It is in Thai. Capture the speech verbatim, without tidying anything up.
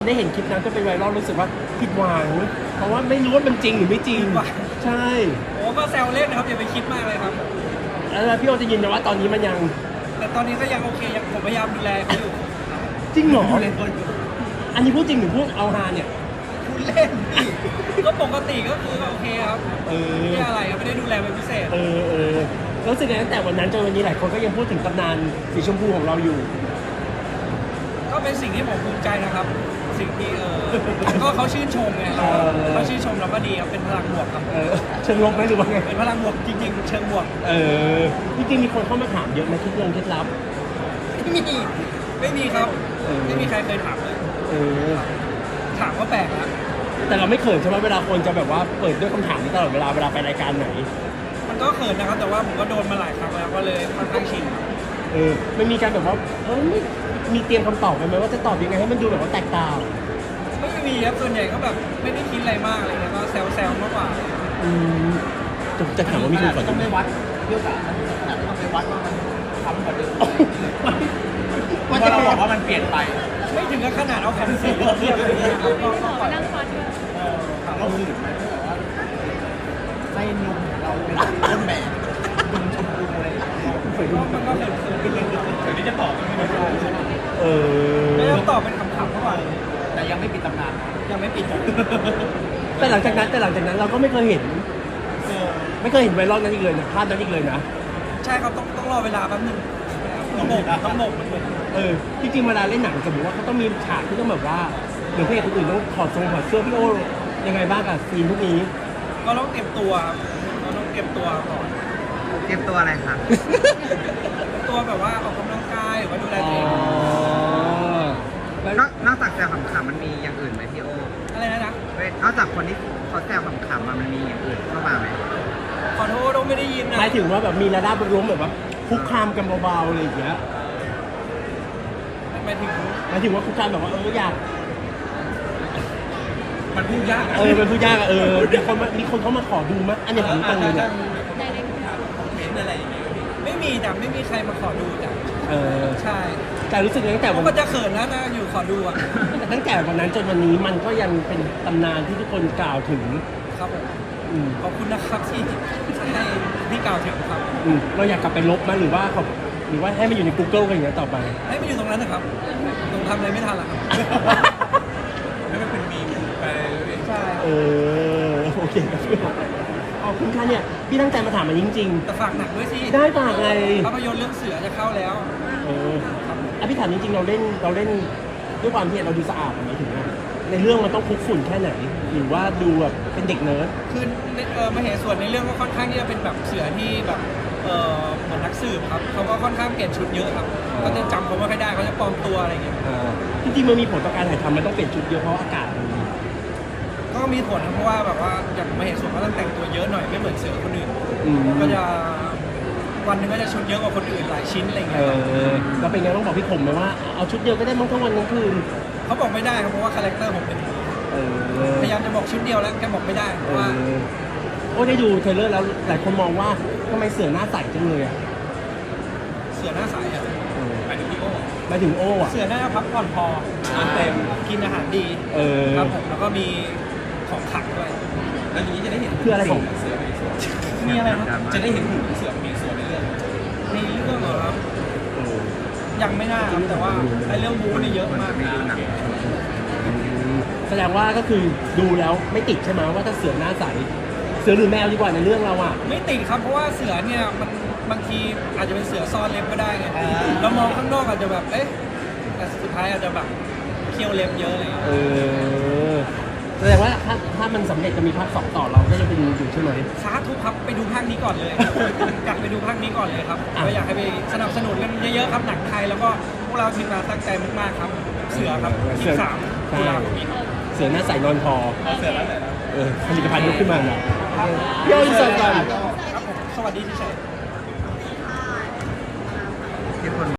ได้เห็นคลิปนั้นก็เป็นไวรัลรู้สึกว่าผิดหวังเพราะว่าไม่รู้ว่ามันจริงหรือไม่จริงใช่โอ้ก็แซวเล่นนะครับอย่าไปคิดมากเลยครับแล้วพี่โอจะยืนยันว่าตอนนี้มันยังแต่ตอนนี้ก็ยังโอเคยังผมพยายามดูแลเขาอยู่จริงเหรออันนี้พูดจริงหรือพูดเอาฮาเนี่ยพูดเล่นพี่ก็ปกติก็คือโอเคครับเออไม่ได้อะไรครับไม่ได้ดูแลเป็นพิเศษเออเออรู้สึกไงตั้งแต่วันนั้นจนวันนี้หลายคนก็ยังพูดถึงตำนานสีชมพูของเราอยู่ก็เป็นสิ่งที่ผมภูมิใจนะครับ สิ่งที่เออก็เขาชื่นชมไงเออเขาชื่นชมเราก็ดีครับเป็นพลังบวกครับเออเชิงลบไหมหรือว่าไงเป็นพลังบวกจริงๆเชิงบวกเออจริงๆมีคนเข้ามาถามเยอะไหมเคล็ดลงเคล็ดลับไม่มีไม่มีครับเออไม่มีใครเคยถามเลยเออถามก็แปลกนะแต่เราไม่เขินใช่ไหมเวลาคนจะแบบว่าเปิดด้วยคำถามนี้ตลอดเวลาเวลาไปรายการไหนมันก็เขินนะครับแต่ว่าผมก็โดนมาหลายครั้งแล้วก็เลยค่อนข้างชินเออไม่มีการแบบว่าเออไม่มีเตรียมคำตอบไปไหมว่าจะตอบยังไงให้มันดูแบบว่าแตกต่างไม่มีครับส่วนใหญ่ก็แบบไม่ได้คิดอะไรมากอะไรเลยก็แซวๆมากกว่าอืมจะจะถามว่ามีคนสอนต้องไม่วัดเที่ยวจ๋าขนาดต้องไปวัดว่ามันทำกว่าเดิมว่าจะบอกว่ามันเปลี่ยนไปไม่ถึงกับขนาดเอาแผ่นสีมาเทียบอะไรอย่างเงี้ยครับก็ก็ปล่อยถามเราหื่นไหมแบบว่าให้นมของเราเป็นต้นแบบนมชมพูอะไรอย่างเงี้ยก็มันก็เขินๆถึงที่จะตอบก็ไม่ได้เออไม่ต้องตอบเป็นคำถามเท่าไหร่แต่ยังไม่ปิดตำนานยังไม่ปิดครับแต่หลังจากนั้นแต่หลังจากนั้นเราก็ไม่เคยเห็นเออไม่เคยเห็นไวรัลนั้นอีกเลยนะภาพนั้นอีกเลยนะใช่ครับต้องต้องรอเวลาแป๊บนึงต้องโบกต้องโบกมันเหมือนเออจริงๆเวลาเล่นหนังสมมติว่าเขาต้องมีฉากที่ต้องแบบว่าเดี๋ยวพระเอกคนอื่นต้องถอดทรงถอดเสื้อพี่โอยังไงบ้างกับซีนพวกนี้ก็ต้องเตรียมตัวครับเราต้องเตรียมตัวก่อนเตรียมตัวอะไรครับตัวแบบว่าออกกำลังกายหรือว่าดูแลตัวเองนอกนอกจากแซวขำๆมันมีอย่างอื่นไหมพี่โออะไรนะนะเว้ยนอกจากคนที่เขาแซวขำๆมามันมีอย่างอื่นเข้ามาไหมขอโทษเราไม่ได้ยินนะหมายถึงว่าแบบมีระดับล้มแบบว่าคุกคามกันเบาๆอะไรอย่างเงี้ยหมายถึงหมายถึงว่าคุกคามแบบว่าเอออยากมันพูดยากเออเป็นผู้ยากอะเออมีคนมามีคนเขามาขอดูมั้ยอันนี้ผมตรงเลยเนี่ยไม่มีแต่ไม่มีใครมาขอดูจ้ะเออใช่แต่รู้สึกตั้งแต่เขาวันก็จะเขินนะถ้าอยู่ขอดูอ่ะตั้งแต่วันนั้นจนวันนี้มันก็ยังเป็นตำนานที่ทุกคนกล่าวถึงครับผมอืมขอบคุณนะครับที่ให้พี่กล่าวถึงครับอืมเราอยากกลับไปลบมั้ยหรือว่าเขาหรือว่าให้มันอยู่ใน Google กันอย่างเงี้ยต่อไปให้ไปอยู่ตรงนั้นนะครับตรงทำอะไรไม่ทันหรอกครับไม่เป็นเป็นมีมไปเรื่อยใช่เออโอเคครับพี่ขอบคุณค่ะเนี่ยพี่ตั้งใจมาถามมันจริงแต่ฝากหนักด้วยสิๆ ได้ฝากไงภาพยนตร์เรื่องเสือจะเข้าแล้วเอออ่ะพี่ถามจริงๆเราเล่นเราเล่นด้วยความที่เราดูสะอาดไหมถึงว่าในเรื่องมันต้องคลุกฝุ่นแค่ไหน หรือว่าดูแบบเป็นเด็กเนิร์ดคือในเออมาเหตุส่วนในเรื่องก็ค่อนข้างที่จะเป็นแบบเสือที่แบบเออเหมือนนักสืบครับเขาก็ค่อนข้างเปลี่ยนชุดเยอะครับก็จะจำเขาไม่ค่อยได้เขาจะปลอมตัวอะไรอย่างเงี้ยอ่าจริงๆมันมีผลต่อการถ่ายทำมันต้องเปลี่ยนชุดเยอะเพราะอากาศมันก็มีผลนะเพราะว่าแบบว่าอย่างมาเหตุส่วนก็ต้องแต่งตัวเยอะหน่อยไม่เหมือนเสือคนอื่นอืมก็จะวันหนึงก็จะชุดเยอะกว่าคนอื่นหลายชิ้นอะไรเงี้เอย อแล้วเป็นไงต้องบอกพี่ผมไหมว่าเอาชุดเดียวก็ได้มั้งทั้งวันทั้งคืนเขาบอกไม่ได้ครับเพราะว่าคาแรคเตอร์ผมเป็นอย่างนี้เออพยายามจะบอกชุดเดียวแล้วแกบอกไม่ได้เพเอราะว่าอโอ้ได้ดูเทรลเลอร์แล้วหลายคนมองว่าทำไมเสือหน้าใสจังเลยอ่ะเสือหน้าใสอ่ะเออหมายถึงพี่โอหมายถึงโอ้อ่ะเสือหน้าพักผ่อนพออาเต็มกินอาหารดีเออครับผมแล้วก็มีของขังด้วยๆแล้วอย่างนี้จะได้เห็นคืออะไรของเสือมีส่วนมีอะไรครับจะได้เห็นหุ่นเสือมีส่วนในเรื่องในเรื่องเหรอครับเออยังไม่น่าครับแต่ว่าไอ้เรื่องบู๊นี่เยอะมากไม่ดูหนังแสดงว่าก็คือดูแล้วไม่ติดใช่ไหมว่าถ้าเสือหน้าใสเสือหรือแมวดีกว่าในเรื่องเราอ่ะไม่ติดครับเพราะว่าเสือเนี่ยมันบางทีอาจจะเป็นเสือซ่อนเล็บก็ได้ไงเรามองข้างนอกอาจจะแบบเอ๊ะแต่สุดท้ายอาจจะแบบเคี้ยวเล็บเยอะอะไรอย่างเงี้ยเออแสดงว่าถ้าถ้ามันสำเร็จจะมีภาคสองต่อเราก็จะไปดูอยู่ใช่ไหมสาธุครับไปดูภาคนี้ก่อนเลย อยากไปดูภาคนี้ก่อนเลยครับอ่ะก็อยากให้ไปสนับสนุนกันเยอะๆครับหนังไทยแล้วก็พวกเราทีมงานตั้งใจมากๆครับ เสือครับที่สามตุลาคมนี้ครับเสือหน้าใสนอนพอเอาเสือแล้วไหนนะเออผลิตภัณฑ์ยกขึ้นมาหน่อยเดี๋ยวอินเสิร์ตก่อนครับผมสวัสดีที่ชัย